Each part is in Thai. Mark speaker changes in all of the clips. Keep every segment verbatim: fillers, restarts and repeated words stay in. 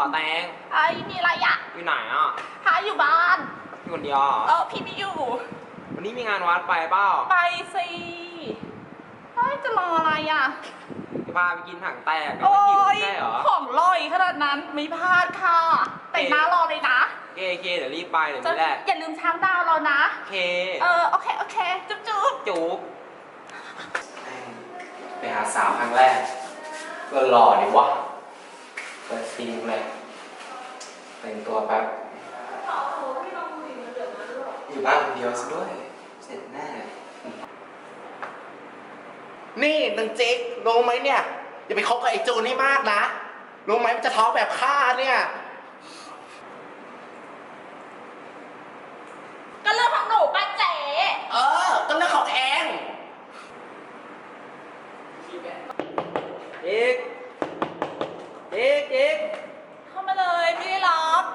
Speaker 1: แตง
Speaker 2: ไอ้มีอะไรอะ
Speaker 1: อยู่ไหนอ่ะ
Speaker 2: หาอยู่บ้าน
Speaker 1: อยู่คนเดียว
Speaker 2: เออพี่ไม่อยู่
Speaker 1: วันนี้มีงานวัดไปเปล่า
Speaker 2: ไปสิเฮ้ยจะรออะไรอะ
Speaker 1: จะพาไปกินถังแตกกัน
Speaker 2: โอ้
Speaker 1: ไม่กิน
Speaker 2: ย
Speaker 1: ใช่เหรอ
Speaker 2: ของลอยขนาดนั้นไม่พลาดค่ะแต่งหน้ารอเลยนะ
Speaker 1: เคเคเดี๋ยวรีบไปเดี๋ยวนี้แหละ
Speaker 2: อย่าลืมช้างดาวเรานะ
Speaker 1: เค
Speaker 2: เออโอเคโอเคจุ๊บจุ๊บ
Speaker 1: จุ๊บไปหาสาวครั้งแรกก็หล่อดิวะเปิดซีนเลยแต่งตัวแป๊บอยู่บ้านคนเดียวซะด้วยเสร็จแน่
Speaker 3: นี่นางจิ๊กรู้ไหมเนี่ยอย่าไปคบกับไอ้จูนให้มากนะรู้ไหมมันจะท้องแบบข้าเนี่ย
Speaker 2: ก็เรื่องของหนูป้าเจ๋
Speaker 3: เออก็เรื่องของเอง
Speaker 1: อีกอีกอีก
Speaker 2: เข้ามาเลยไม่ได้ล็อก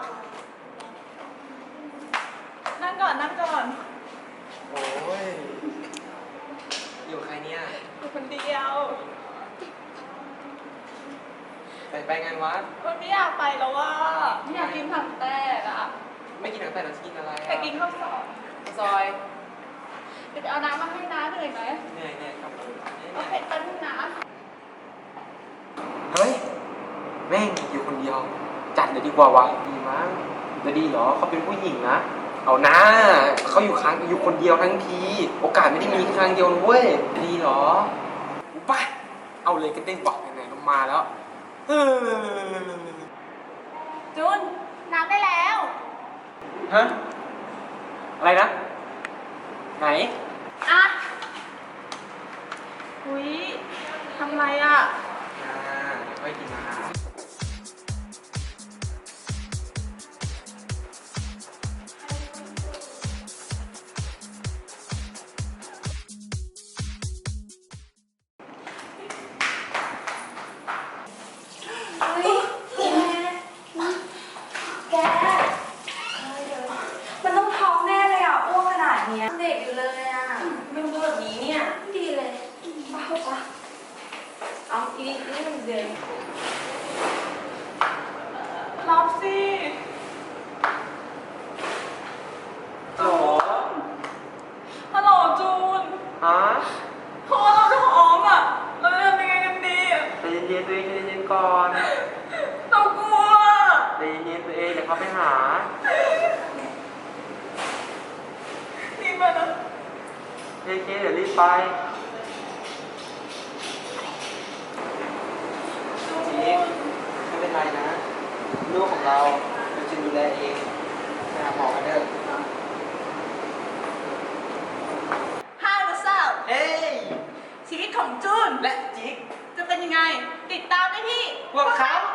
Speaker 2: นั่งก่อนนั่งก่อน
Speaker 1: โอ้ยอยู่ใครเนี่ย
Speaker 2: อยู่คนเดียว
Speaker 1: ไปไปงานวัด
Speaker 2: คนไม่อยากไปแล้วว่าไม่อยากกินผักแตกอ่ะ
Speaker 1: ไม่กินถังแตกเราจะกินอะไรอ่ะ
Speaker 2: แต่กินข้าวซอย
Speaker 1: ซอย
Speaker 2: เดี๋ยวไปเอาน้ำมาให้น้าเหนื่อยไหม
Speaker 1: เหนื่อยเหนื่อยครับ
Speaker 2: โอเคแป๊บนึงนะ
Speaker 1: เฮ้ยแม่งอยู่คนเดียวจัดเลยดีกว่าวะดีมั้งจะดีเหรอเขาเป็นผู้หญิงนะเอานะเขาอยู่ครั้งอยู่คนเดียวทั้งทีโอกาสไม่ได้มีครั้งเดียวเว้ยดีเหรอไปเอาเลยกันเต้นบอกไหนๆลงมาแล้ว
Speaker 2: จุนน้ำได้แล้ว
Speaker 1: ฮะอะไรนะไหน
Speaker 2: อ่ะอุ้ยทำไรอ่ะ
Speaker 1: อ่าเดี๋ยวค่อยกินนะ
Speaker 4: มันต้องท้องแน่เลยอ่ะอ้วกขนาดเนี้ยเด็กอยู่เลยอ่ะไม่รู้แบบนี้เนี่ยดีเลยบ้าปะเอาอีนี่นี่มันเดิน
Speaker 2: รับสิ
Speaker 1: ฮัลโหล
Speaker 2: ฮัลโหลจูน
Speaker 1: ฮะ
Speaker 2: พอเราท้องอ่ะเราจะทำยังไงกันดี
Speaker 1: ใจเย็นๆตัวเองใจเย็นๆก่อน
Speaker 2: เรากลัว
Speaker 1: ใจเย็นๆตัวเองเดี๋ยวเขาไปหา
Speaker 2: นี่มานะ
Speaker 1: เคเคเดี๋ยวรีบไปจิ๊กไม่เป็นไรนะลูกของเราเราจะดูแลเองไปหาหมอกันเถอะ
Speaker 2: Hi what's up
Speaker 1: เฮ้ย
Speaker 2: ชีวิตของจูน
Speaker 1: และจิ๊ก
Speaker 2: จะเป็นยังไงติดตามได้ที่
Speaker 1: พวกเขา